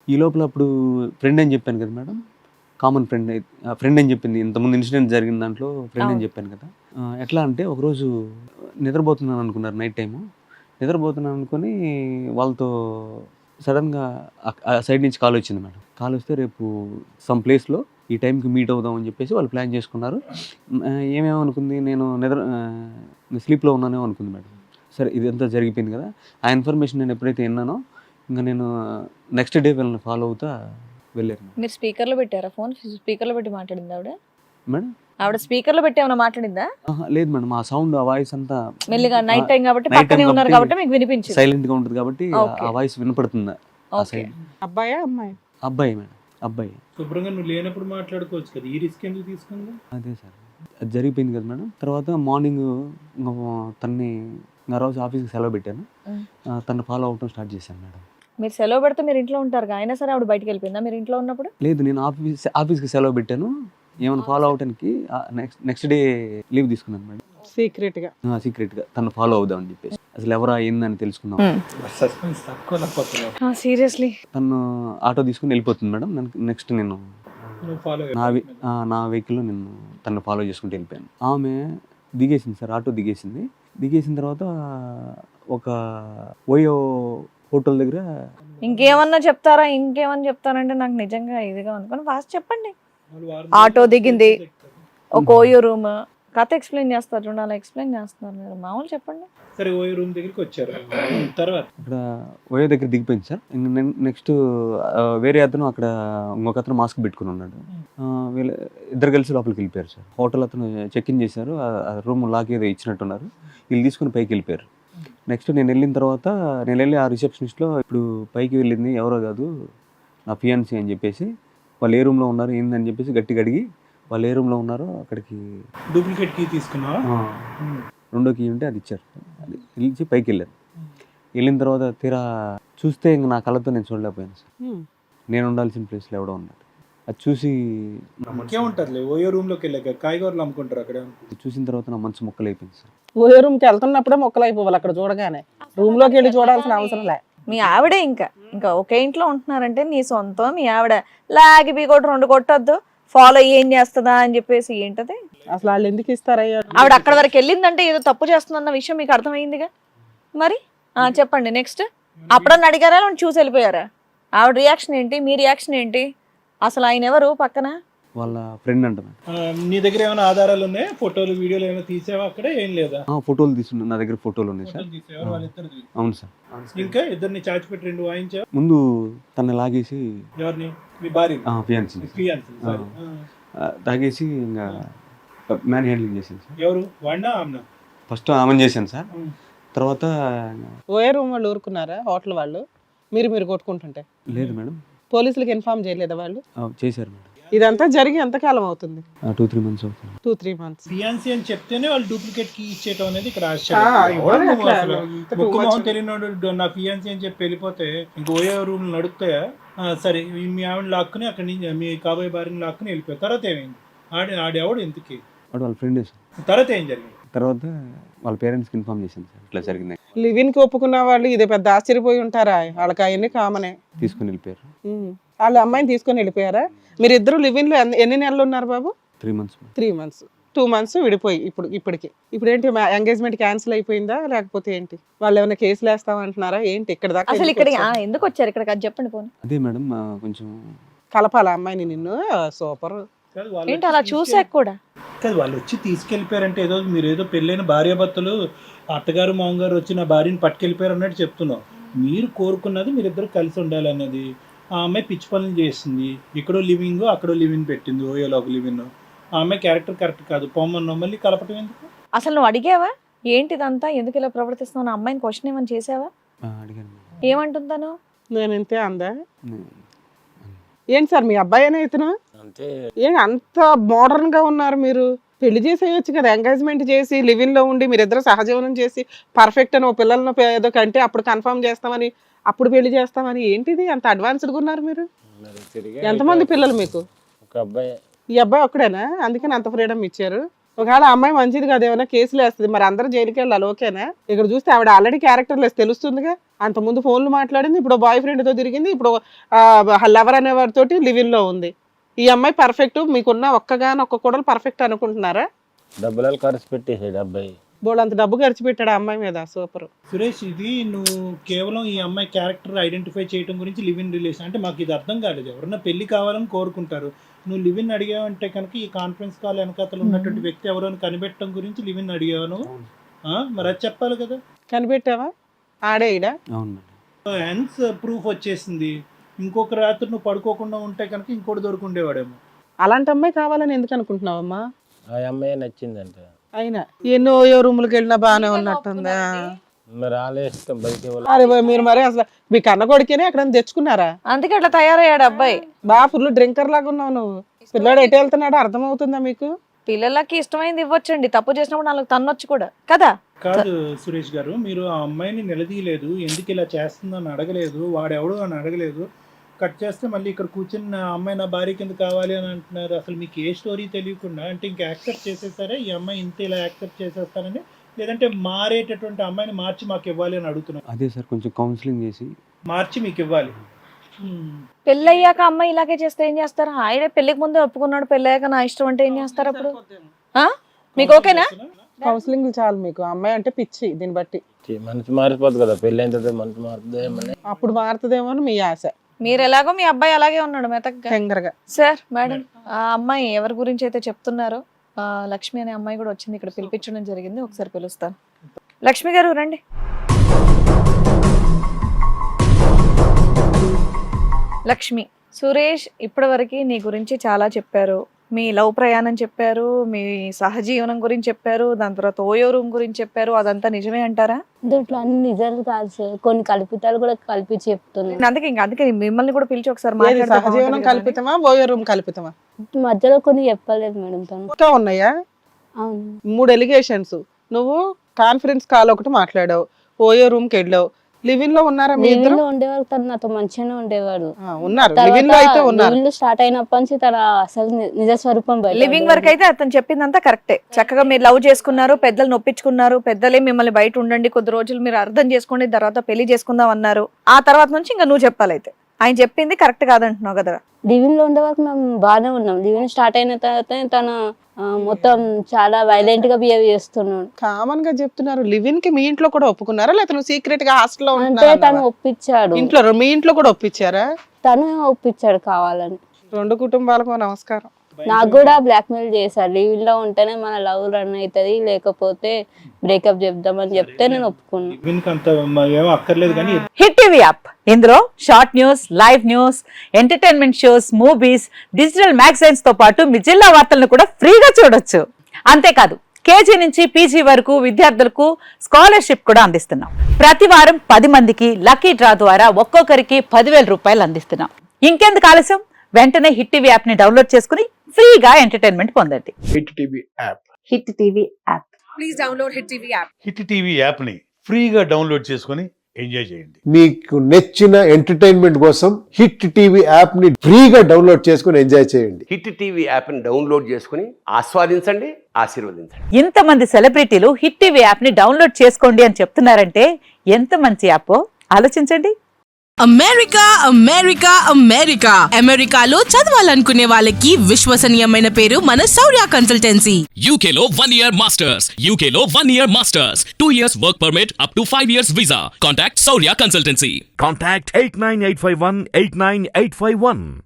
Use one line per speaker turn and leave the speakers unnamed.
ఈ లోపల అప్పుడు ఫ్రెండ్ అని చెప్పాను కదా మేడం, కామన్ ఫ్రెండ్ అని చెప్పింది. ఇంతకుముందు ఇన్సిడెంట్ జరిగిన దాంట్లో ఫ్రెండ్ అని చెప్పాను కదా. ఎట్లా అంటే ఒకరోజు నిద్రపోతున్నాను అనుకున్నారు, నైట్ టైము నిద్రపోతున్నాను అనుకొని వాళ్ళతో సడన్గా ఆ సైడ్ నుంచి కాల్ వచ్చింది మేడం. కాల్ వస్తే రేపు సమ్ ప్లేస్లో ఈ టైంకి మీట్ అవుదాం అని చెప్పేసి వాళ్ళు ప్లాన్ చేసుకున్నారు. ఏమేమనుకుంది, నేను స్లీప్లో ఉన్నానేమో అనుకుంది మేడం. సరే ఇదంతా జరిగిపోయింది కదా, ఆ ఇన్ఫర్మేషన్ నేను ఎప్పుడైతే విన్నానో ఇంకా నేను నెక్స్ట్ డే వీళ్ళని ఫాలో అవుతా వెళ్ళారు.
మీరు స్పీకర్లో పెట్టారా ఫోన్? స్పీకర్లో పెట్టి మాట్లాడింది ఆవిడ?
మేడం
ఆవిడ స్పీకర్లో పెట్టి ఏమైనా మాట్లాడిందా?
లేదు మేడం, ఆ సౌండ్ ఆ వాయిస్ అంతా
మెల్లిగా నైట్ టైం కాబట్టి పక్కనే ఉన్నారు కాబట్టి మీకు వినిపించింది.
సైలెంట్ గా ఉంటుంది కాబట్టి ఆ వాయిస్ వినపడుతుంది.
అబ్బాయా అమ్మాయి?
అబ్బాయి మేడం, అబ్బాయి.
శుభ్రంగా నువ్వు లేనప్పుడు మాట్లాడుకోవచ్చు కదా, ఈ రిస్క్ ఎందుకు తీసుకుందా?
అదే సార్, అది జరిగిపోయింది కదా మేడం. తర్వాత మార్నింగ్ తన్ని ఆ రోజు ఆఫీస్కి సెలవు పెట్టాను, తను ఫాలో అవటం స్టార్ట్ చేశాను మేడం.
మీరు సెలవు పెడితే మీరు ఇంట్లో ఉంటారు, అయినా సరే ఆవిడ బయటకు వెళ్ళిపోయిందా మీరు ఇంట్లో ఉన్నప్పుడు?
లేదు, నేను ఆఫీస్కి సెలవు పెట్టాను, ఏమైనా ఫాలో అవడానికి నెక్స్ట్ డే లీవ్ తీసుకున్నాను మేడం. సీక్రెట్ గా తను ఫాలో అవుదామని చెప్పేసి, అసలు ఎవరా ఏందని తెలుసుకుందాం.
సీరియస్లీ
తను ఆటో తీసుకుని వెళ్ళిపోతుంది మేడం. నెక్స్ట్ నేను నా వెహికల్లో నేను తను ఫాలో చేసుకుంటూ వెళ్ళిపోయాను. ఆమె దిగేసింది సార్, ఆటో దిగేసింది. దిగేసిన తర్వాత ఒక ఓయో హోటల్ దగ్గర
ఇంకేమన్నా చెప్తారంటే నాకు నిజంగా ఇదిగా అనుకోని ఫాస్ట్ చెప్పండి. ఆటో దిగింది, ఒక ఓయో రూమ్, కథ ఎక్స్ప్లెయిన్ చేస్తారు చూడండి, అలా ఎక్స్ప్లెయిన్ చేస్తున్నారు మీరు. మామూలు చెప్పండి.
సరే ఓయో రూమ్ దగ్గరికి వచ్చారు, తర్వాత
ఇక్కడ ఓయో దగ్గర దిగిపోయింది సార్. నెక్స్ట్ వేరే అతను అక్కడ ఇంకొక అతను మాస్క్ పెట్టుకుని ఉన్నాడు. వీళ్ళు ఇద్దరు కలిసి లోపలికి వెళ్ళిపోయారు సార్. హోటల్ అతను చెక్ ఇన్ చేశారు, ఆ రూమ్ లాక్ ఏదో ఇచ్చినట్టున్నారు, వీళ్ళు తీసుకుని పైకి వెళ్ళిపోయారు. నెక్స్ట్ నేను వెళ్ళిన తర్వాత నేను వెళ్ళి ఆ రిసెప్షనిస్ట్లో ఇప్పుడు పైకి వెళ్ళింది ఎవరో కాదు నా ఫియాన్సీ అని చెప్పేసి, వాళ్ళు ఏ రూమ్లో ఉన్నారు ఏందని చెప్పేసి గట్టిగా అడిగి వాళ్ళు ఏ రూమ్లో ఉన్నారో అక్కడికి
డూప్లికేట్ కీ తీసుకున్నావా?
రెండో కీ ఉంటే అది ఇచ్చారు, అది ఇచ్చి పైకి వెళ్ళాను. వెళ్ళిన తర్వాత తీరా చూస్తే ఇంక నా కళ్ళతో నేను చూడలేకపోయాను సార్. నేను ఉండాల్సిన ప్లేస్లో ఎవడో ఉన్నాడు. అది చూసి
ఇంకేముంటారులే, ఓయో రూమ్లోకి వెళ్ళాక కాయగూరలు అమ్ముకుంటారు అక్కడ.
చూసిన తర్వాత నా మనసు మొక్కలు అయిపోయింది సార్.
ఓయో రూమ్కి వెళ్తున్నప్పుడే మొక్కలు అయిపోవాలి అక్కడ చూడగానే, రూమ్లోకి వెళ్ళి చూడాల్సిన అవసరం లే.
మీ ఆవిడే ఇంకా ఒకే ఇంట్లో ఉంటున్నారంటే నీ సొంతం, మీ ఆవిడ లాగి బీ కొట్టు 2 కొట్టద్దు, ఫాలో ఏం చేస్తుందా అని చెప్పేసి ఏంటది
అసలు వాళ్ళు ఎందుకు ఇస్తారయ్యా?
ఆవిడ అక్కడ వరకు వెళ్ళిందంటే ఏదో తప్పు చేస్తుందన్న విషయం మీకు అర్థమైందిగా. మరి చెప్పండి నెక్స్ట్. అప్పుడన్నా అడిగారా చూసి వెళ్ళిపోయారా? ఆవిడ రియాక్షన్ ఏంటి, మీ రియాక్షన్ ఏంటి? అసలు ఆయన ఎవరు పక్కన?
వాళ్ళ ఫ్రెండ్ అంట.
నీ దగ్గర ఏమైనా ఆధారాలు ఉన్నాయి, ఫోటోలు వీడియోలు ఏమైనా తీసావా అక్కడ? ఏం లేదా?
ఫోటోలు తీసుకున్నా, నా దగ్గర ఫోటోలు ఉన్నాయి సార్. అవును సార్.
ఇంకా ఇద్దరిని చాచి పెట్టి 2 వాయించా.
ముందు తన లాగేసి,
ఎవరిని? మీ భార్య
తాగేసి ఇంకా మ్యాన్ హ్యాండ్లింగ్ చేశాను సార్.
ఎవరు, వాడినా ఆమెనా?
ఫస్ట్ ఆమెను చేశాను సార్, తర్వాత
ఓయో రూమ్ వాళ్ళు ఊరుకున్నారా? హోటల్ వాళ్ళు మీరు కొట్టుకుంటుంటే?
లేదు మేడం.
పోలీసులకు ఇన్ఫార్మ్ చేయలేదా వాళ్ళు?
చేశారు మేడం.
ఇదంతా జరిగి ఎంతకాలం అవుతుంది?
2-3 months అవుతుంది.
2-3 months.
ఫియాన్సీ అని చెప్తేనే వాళ్ళు డూప్లికేట్ కీ ఇచ్చేయటం అనేది ఇక్కడ ఆశ్చర్యం. మొహం తెలియనోడు నా ఫియాన్సీ అని చెప్పి వెళ్ళిపోతే ఇంక ఓయో రూమ్ నడుపుతాయా? సరే, మీ ఆవిడ లాక్కుని అక్కడి నుంచి మీ కాబోయే భార్యని లాక్కుని వెళ్ళిపోయారు. తర్వాత ఏమైంది? ఆడెవడు ఎందుకు?
వాళ్ళ ఫ్రెండ్ సార్.
తర్వాత ఏం జరిగింది?
తర్వాత వాళ్ళ పేరెంట్స్కి ఇన్ఫార్మ్ చేశాను సార్, ఇట్లా జరిగింది.
లివిన్కి ఒప్పుకున్న వాళ్ళు ఇదే పెద్ద ఆశ్చర్యపోయి ఉంటారా? వాళ్ళకి అవన్నీ కామనే.
తీసుకుని వెళ్ళిపోయారు.
వాళ్ళ అమ్మాయిని తీసుకొని వెళ్ళిపోయారా? మీరు ఇద్దరు లివిన్ లో ఎన్ని నెలలు ఉన్నారు బాబు?
3 months.
3 months. 2 months విడిపోయి ఇప్పటికి ఏంటి ఎంగేజ్మెంట్ క్యాన్సిల్ అయిపోయిందా లేకపోతే ఏంటి? వాళ్ళు ఏమైనా కేసులు వేస్తామంటున్నారా ఏంటి? ఇక్కడ దాకా
అసలు ఇక్కడ ఎందుకు వచ్చారు? ఇక్కడ అది చెప్పండి పోనీ.
అదే మేడం, కొంచెం
కలపాల అమ్మాయిని నిన్ను. సూపర్.
ఏంటి అలా చూసాక కూడా
కాదు, వాళ్ళు వచ్చి తీసుకెళ్ళిపోయారంటే ఏదో మీరు ఏదో పెళ్ళైన భార్యాభర్తలు అత్తగారు మామగారు వచ్చి నా భార్యని పట్టుకెళ్ళిపోయారు అన్నట్టు చెప్తున్నావు. మీరు కోరుకున్నది మీరిద్దరు కలిసి ఉండాలి అన్నది. ఆ అమ్మాయి పిచ్చి పనులు చేస్తుంది, ఇక్కడో లివింగ్ అక్కడో లివింగ్ పెట్టింది, ఓయోలో ఒక లివింగ్. ఆ అమ్మాయి క్యారెక్టర్ కరెక్ట్ కాదు, పొమ్మన్నావు, మళ్ళీ కలపటం ఎందుకు?
అసలు నువ్వు అడిగావా ఏంటిదంతా, ఎందుకు ఇలా ప్రవర్తిస్తున్నావు? అమ్మాయిని క్వశ్చన్ ఏమని చేసావా?
అడిగాను.
ఏమంటుందాను?
నేను ఇంతే అందా? ఏంటి సార్ మీ అబ్బాయి అనే ఇతను? అంత మోడర్న్ గా ఉన్నారు మీరు. పెళ్లి చేసేయచ్చు కదా, ఎంగేజ్మెంట్ చేసి లివింగ్ లో ఉండి మీరిద్దరు సహజీవనం చేసి పర్ఫెక్ట్ అని ఓ పిల్లలను ఏదో కంటే అప్పుడు కన్ఫర్మ్ చేస్తామని, అప్పుడు పెళ్లి చేస్తామని. ఏంటిది అంత అడ్వాన్స్డ్గా ఉన్నారు మీరు? ఎంతమంది పిల్లలు మీకు? ఈ అబ్బాయి ఒక్కడేనా? అందుకని అంత ఫ్రీడమ్ ఇచ్చారు. ఒకవేళ అమ్మాయి మంచిది కదా, ఏమైనా కేసులు వేస్తుంది, మరి అందరూ జైలుకి వెళ్ళాలి, ఓకేనా? ఇక్కడ చూస్తే ఆవిడ ఆల్రెడీ క్యారెక్టర్ లెస్ తెలుస్తుందిగా. అంతకుముందు ఫోన్లు మాట్లాడింది, ఇప్పుడు బాయ్ ఫ్రెండ్తో తిరిగింది, ఇప్పుడు లవర్ అనేవారితోటి లివింగ్లో ఉంది. ఈ అమ్మాయి పర్ఫెక్ట్, మీకున్న ఒక్కగానొక్క కూడా పర్ఫెక్ట్ అనుకుంటున్నారా?
డబ్బులు ఖర్చు పెట్టేసాడు అబ్బాయి,
బోళ్ళంత డబ్బు ఖర్చు పెట్టాడు ఆ అమ్మాయి మీద. సూపర్
సురేష్, ఇది నువ్వు కేవలం ఈ అమ్మాయి క్యారెక్టర్ ఐడెంటిఫై చేయడం గురించి లివ్ ఇన్ రిలేషన్ అంటే మాకు ఇది అర్థం కాలేదు. ఎవరన్నా పెళ్లి కావాలని కోరుకుంటారు, నువ్వు లివ్ ఇన్ అడిగావంటే కనుక ఈ కాన్ఫరెన్స్ కాల్ వెనకాతలు ఉన్నటువంటి వ్యక్తి ఎవరో అని కనిపెట్టడం గురించి లివ్ ఇన్ అడిగాను. మరి అది చెప్పాలి కదా.
కనిపెట్టావా? ఆడే ఈడ
అవును మేడం.
హెన్స్ ప్రూఫ్ వచ్చేసింది. ఇంకొక రాత్రి నువ్వు పడుకోకుండా ఉంటే కనుక ఇంకోటి దొరుకుండేవాడేమో.
అలాంటి అమ్మాయి కావాలని ఎందుకు అనుకుంటున్నావమ్మా?
ఆ అమ్మాయి నచ్చిందంట.
అయినా ఎన్నో రూములకి వెళ్ళినా బాగానే ఉన్నట్టుందా?
మరి ఆలోచిస్తాం బయట
అరే మీరు మరి అసలు మీ కన్న కొడుకేనే అక్కడ తెచ్చుకున్నారా?
అందుకే అట్లా తయారయ్యాడు అబ్బాయి.
బాగా ఫుల్ డ్రింకర్ లాగా ఉన్నావు నువ్వు. పిల్లాడు ఎటు వెళ్తున్నాడో అర్థమవుతుందా మీకు?
పిల్లలకి ఇష్టమైంది ఇవ్వచ్చండి, తప్పు చేసినప్పుడు నాలుగు తన్నొచ్చు కూడా కదా.
కాదు సురేష్ గారు, మీరు ఆ అమ్మాయిని నిలదీయలేదు, ఎందుకు ఇలా చేస్తుందని అడగలేదు, వాడెవడు అని అడగలేదు. కట్ చేస్తే మళ్ళీ ఇక్కడ కూర్చుని ఆ అమ్మాయి నా భార్య కింద కావాలి అని అంటున్నారు. అసలు మీకు ఏ స్టోరీ తెలియకుండా అంటే ఇంకా యాక్సెప్ట్ చేసేసారా ఈ అమ్మాయి ఇంత ఇలా యాక్సెప్ట్ చేసేస్తానని, లేదంటే మారేటటువంటి అమ్మాయిని మార్చి మాకు ఇవ్వాలి అని అడుగుతున్నారు?
అదే సార్, కొంచెం కౌన్సిలింగ్ చేసి
మార్చి మీకు ఇవ్వాలి.
పెళ్ళయ్యాక అమ్మాయి ఇలాగే చేస్తే ఏం చేస్తారు? ఆయన పెళ్లికి ముందే ఒప్పుకున్నాడు, పెళ్ళయ్యాక నా ఇష్టం అంటే ఏం చేస్తారు అప్పుడు? మీకు ఓకేనా?
కౌన్సిలింగ్ చాలు మీకు. అమ్మాయి అంటే పిచ్చి, దీన్ని బట్టి
మనసు మారిపోతుంది కదా, పెళ్ళి అయిన తర్వాత మనసు మారుతుందేమని.
అప్పుడు మారుతుందేమో అని మీ ఆశ.
మీరు ఎలాగో మీ అబ్బాయి అలాగే ఉన్నాడు మెతకగా.
టెంగరగా.
సార్ మేడం, ఆ అమ్మాయి ఎవరి గురించి అయితే చెప్తున్నారో లక్ష్మి అనే అమ్మాయి కూడా వచ్చింది, ఇక్కడ పిలిపించడం జరిగింది. ఒకసారి పిలుస్తాను. లక్ష్మి గారు రండి. లక్ష్మి, సురేష్ ఇప్పటివరకు నీ గురించి చాలా చెప్పారు. మీ లవ్ ప్రయాణం చెప్పారు, మీ సహజీవనం గురించి చెప్పారు, దాని తర్వాత ఓయో రూమ్ గురించి చెప్పారు. అదంతా నిజమే అంటారా?
దీంట్లో అన్ని నిజాలు కాదు సార్, కొన్ని కల్పితాలు కూడా కలిపి చెప్తున్నాను.
అందుకే మిమ్మల్ని కూడా పిలిచి ఒకసారి
ఏది
మాట్లాడితే
సహజీవనం
బాగుంటుంది కదా.
కల్పితమా, ఓయో రూమ్ కల్పితమా?
మధ్యలో కొన్ని చెప్పలేదు మేడం తను.
ఇంకా ఉన్నాయా?
అవును.
3 ఎలిగేషన్స్. నువ్వు కాన్ఫరెన్స్ కాల్ ఒకటి మాట్లాడావు, ఓయో రూమ్ కి వెళ్ళావు. లివింగ్ లో ఉన్నారా మీ ఇద్దరు?
లివింగ్ లో ఉండేవారు, తను నాతో మంచిగానే ఉండేవాడు.
ఉన్నారు, లివింగ్ లో అయితే ఉన్నారు.
లివింగ్ స్టార్ట్ అయినప్పటి నుంచి తన అసలు నిజ స్వరూపం బయట
లివింగ్ వరకు అయితే అతను చెప్పిందంతా కరెక్టే. చక్కగా మీరు లవ్ చేసుకున్నారు, పెద్దలు నొప్పించుకున్నారు, పెద్దలే మిమ్మల్ని బయట ఉండండి కొద్ది రోజులు మీరు అర్థం చేసుకోండి, తర్వాత పెళ్లి చేసుకుందాం అన్నారు. ఆ తర్వాత నుంచి ఇంకా నువ్వు చెప్పాలైతే. ఆయన చెప్పింది కరెక్ట్ కాదంటున్నావు కదా.
లివింగ్ లో ఉండే వరకు మేము బాగానే ఉన్నాం. లివింగ్ స్టార్ట్ అయిన తర్వాత తను మొత్తం చాలా వైలెంట్ గా బిహేవ్ చేస్తున్నాడు.
కామన్ గా చెప్తున్నారు. లివింగ్ కి మీ ఇంట్లో కూడా ఒప్పుకున్నారా, లేకపోతే నువ్వు సీక్రెట్ గా హాస్టల్ లో
అంటే తను ఒప్పించాడు.
ఇంట్లో మీ ఇంట్లో కూడా ఒప్పించారా?
తను ఒప్పించాడు కావాలని.
2 కుటుంబాలకు నమస్కారం.
నాకు కూడా బ్లాక్ మెయిల్ చేశారు, లివింగ్ లో ఉంటేనే మన లవ్ రన్ అవుతుంది, లేకపోతే బ్రేకప్ చెప్దామని చెప్తే నేను ఒప్పుకున్నాను.
అక్కర్లేదు కానీ
హిట్ టీవీ యాప్, ఇందులో short news, live news, entertainment shows, movies, digital magazines తో పాటు మీ జిల్లా వార్తలను కూడా ఫ్రీగా చూడొచ్చు. అంతేకాదు కేజీ నుంచి పీజీ వరకు విద్యార్థులకు స్కాలర్షిప్ కూడా అందిస్తున్నాం. ప్రతి వారం 10 మందికి లక్కీ డ్రా ద్వారా ఒక్కొక్కరికి 10,000 రూపాయలు అందిస్తున్నాం. ఇంకెందుకు ఆలస్యం, వెంటనే హిట్ టీవీ యాప్ ని డౌన్లోడ్ చేసుకుని ఫ్రీగా ఎంటర్టైన్మెంట్ పొందండి.
Hit TV app.
Hit TV app.
Please download hit TV app.
Hit TV app ని ఫ్రీగా డౌన్లోడ్ చేసుకొని ఎంజాయ్ చేయండి.
మీకు నచ్చిన ఎంటర్టైన్మెంట్ కోసం హిట్ టీవీ యాప్ ని ఫ్రీగా డౌన్లోడ్ చేసుకొని ఎంజాయ్ చేయండి.
హిట్ టీవీ యాప్ ని డౌన్లోడ్ చేసుకుని ఆస్వాదించండి, ఆశీర్వదించండి.
ఇంతమంది సెలబ్రిటీలు హిట్ టీవీ యాప్ ని డౌన్లోడ్ చేసుకోండి అని చెప్తున్నారంటే ఎంత మంచి యాప్ ఆలోచించండి.
అమెరికా అమెరికా అమెరికా అమెరికాలో చదవాలనుకునే వాళ్ళకి విశ్వసనీయమైన పేరు మన శౌర్య కన్సల్టెన్సీ.
UK లో 1 year masters. UK లో 1 year masters. 2 years work permit up to 5 years visa. Contact Saurya Consultancy.
Contact 89851 89851.